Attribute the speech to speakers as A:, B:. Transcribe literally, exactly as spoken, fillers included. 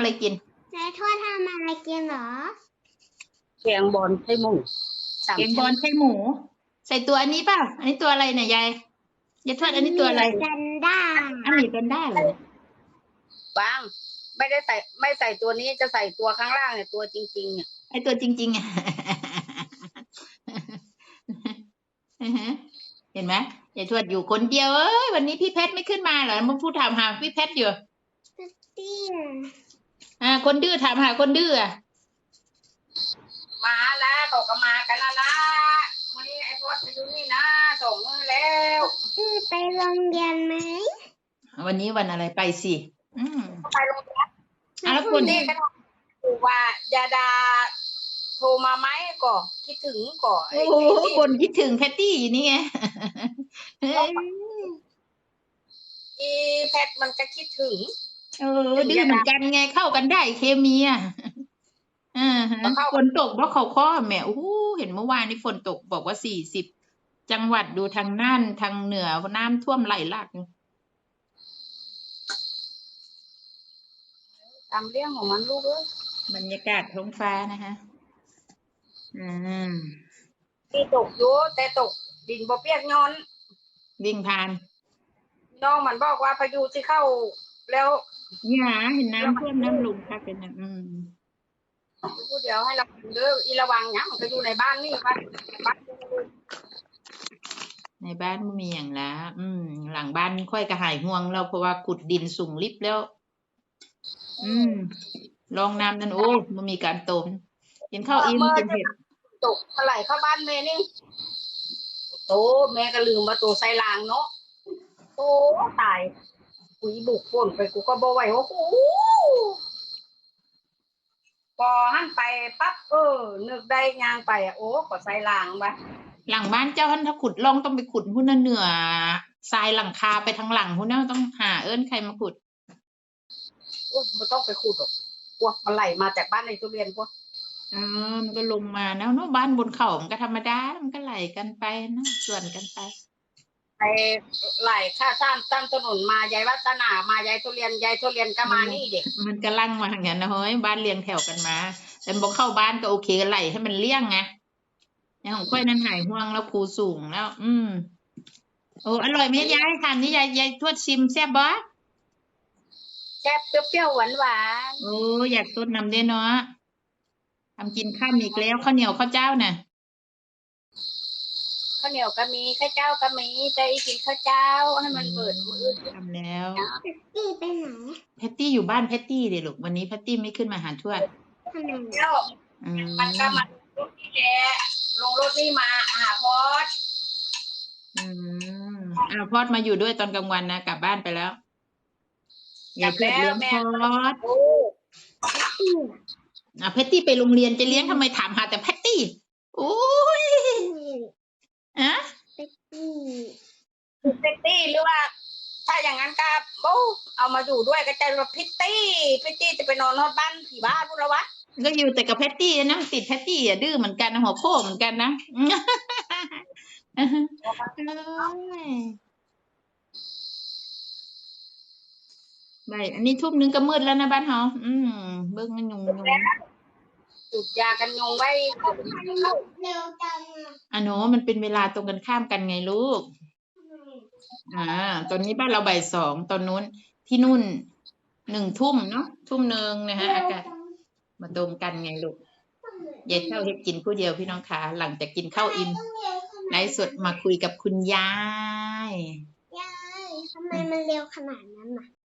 A: อะไรกิน
B: ยายทวดทำอะไรกินเหรอ
C: แกงบอลไส้หมูสาม
A: แกงบอ
C: ชั้น
A: ลไส้หมู ใส่ตัวอันนี้ป่ะอันนี้ตัวอะไรเนี่ยยายยายทวดอันนี้ตัวอะไร
B: แพนด้า
A: อันนี้เป็นได้เหรอบ
C: างไม่ได้ใส่ไม่ใส่ตัวนี้จะใส่ตัวข้างล่างเนี่ยตัวจริงๆเนี่ย
A: ไอตัวจริงๆอ่ะ เห็นไหมยายทวดอยู่คนเดียวเอ้ยวันนี้พี่เพชรไม่ขึ้นมาเหรอมาพูดถามหาพี่เพชรอยู่
B: เตี้ย
A: อ่าคนดื้อถามหาคนดื้ออ่ะ
C: มาแล้วตกก็มากันแล้วนะวันนี้ไอ้พวกไปดูนี่นะส่งมือแล้ว
B: อือไปโรงเรียนไหม
A: วันนี้วันอะไรไปสิอืม
C: ไปโรงเรียน
A: อ่ะแล้วคน
C: นี่ก็ถูกว่ายาดาโทรมาไหมก่อคิดถึงก่อ
A: โอ้โหคนคิดถึงแพตตี้อยู่นี่ไง
C: อีแพทมันก็คิดถึง
A: เออดื้อเหมือนกันไงเข้ากันได้เคมีอ่ะอ่าฮะฝนตกเพราะเขาข้อแหมโอ้เห็นเมื่อวานนี้ฝนตกบอกว่าสี่สิบจังหวัดดูทางน่านทางเหนือน้ำท่วมไหลหลาก
C: ตามเรื่องของมันลูกเอ้ย
A: บรรยากาศท้องฟ้านะคะอืม
C: ที่ตกอยู่แต่ตกดินบ่เปียกย้อน
A: วิ่งผ่าน
C: น้องมันบอกว่าพายุที่เข้าแล้ว
A: เนี่ยเห็นน้ำท่วมน้ำลงค่ะเป็นอืม
C: พูดเดี๋ยวให้เราเด้ออีระวังเนี่ยมันก็อยู่ในบ้านนี่บ้านบ้าน
A: ในบ้านมีอย่างละอืมหลังบ้านค่อยกระหายห่วงเราเพราะว่าขุดดินสูงลิบแล้ว อืมลองน้ำนั่นโอ้มันมีการต้มกินข้าวอิ่มกินเผ็ด
C: ตกเท่าไหร่เข้าบ้านแม่นี่โตแม่ก็ลืมมาตัวไซรางเนาะโอ้ตายกุยบุกฝนไปกูก็บ่ไหวโอ้โหพอหันไปปั๊บเออนึกได้ยางไปอ่ะโอ้ก็ไซรางไป
A: หลังบ้านเจ้าท่านถ้าขุดล่องต้องไปขุดหุ้นเหนือทรายหลังคาไปทางหลังหุ้นน่ะต้องหาเอิ้นใครมาขุด
C: โอ้ไม่ต้องไปขุดหรอกพวกมันไหลมาจากบ้านในทุเรียนพวก
A: เออมันก็ลงมาแล้วเนาะบ้านบนเขามันก็ธรรมดามันก็ไหลกันไปนะส่วนกันไป
C: ไปไหลข้าซ้ำตั้งถนนมายายวัฒนามายายทุเรียนยายทุเรียนก็มานี่เด็ก
A: มันก็ลั่งมาอย่างนั้นนะเฮ้ยบ้านเรียงแถวกันมาแต่บอกเข้าบ้านก็โอเคไหลให้มันเลี่ยงไงอย่างของค่อยนั้นหายห่วงแล้วครูสูงแล้ว อืมโอ้อร่อยไหมยายทานนี่ยายยายทวดชิมแซ่บบ่
C: แซ่บเปรี้ยวๆหวาน
A: ๆโอ้อยากต้นนำได้เนาะทำกินข้ามอีกแล้วข้าวเหนียวข้าวเจ้าน่ะ
C: ข้าวเหนียวก็มีข้าวเจ้าก็มีใจกินข้าวเจ้าให้มันเปิดมือ
A: ทำแล้ว
B: แพตตี้ไปไหน
A: แพตตี้อยู่บ้านแพตตี้เดี๋ยวลูกวันนี้แพตตี้ไม่ขึ้นมาหาทวด
B: ทำไม
C: มันก็มารถนี่แหละลงรถนี่มาหาพอด
A: อืมอ้าวพอดมาอยู่ด้วยตอนกลางวันนะกลับบ้านไปแล้วอย่าเพิ่งเลี้ยงพอดอ่ะแพตตี้ไปโรงเรียนจะเลี้ยงทำไมถามหาแต่แพตตี้โอ้ยอะ
B: แพตตี้
C: แพตตี้หรือว่าถ้าอย่างนั้นก็โอ้เอามาอยู่ด้วยก็จะว่าพิตตี้พิตตี้จะไปนอนนอนบ้านผีบ้านพูดแล้ววะ
A: ก็อยู่แต่กับแพตตี้นะติดแพตตี้อ่ะดื้อเหมือนกันนะหัวโค้เหมือนกันนะไม่อันนี้ทุ่มนึงก็มืดแล้วนะบ้านเฮาอืมเบิ้งมันยุงยุง
C: จุดยากันยุงไว้
B: เร็วจัง
A: อ่ะหนูมันเป็นเวลาตรงกันข้ามกันไงลูกอ่าตอนนี้บ้านเราบ่ายสองตอนนู้นที่นู่นหนึ่งทุ่มเนาะทุ่มหนึ่งนะฮะอากาศมาตรงกันไงลูกยายเท่าเฮ็ดกินผู้เดียวพี่น้องคะหลังจากกินข้าวอิ่มไลฟ์สดมาคุยกับคุณยาย
B: ยายทำไมมันเร็วขนาดนั้นน่ะ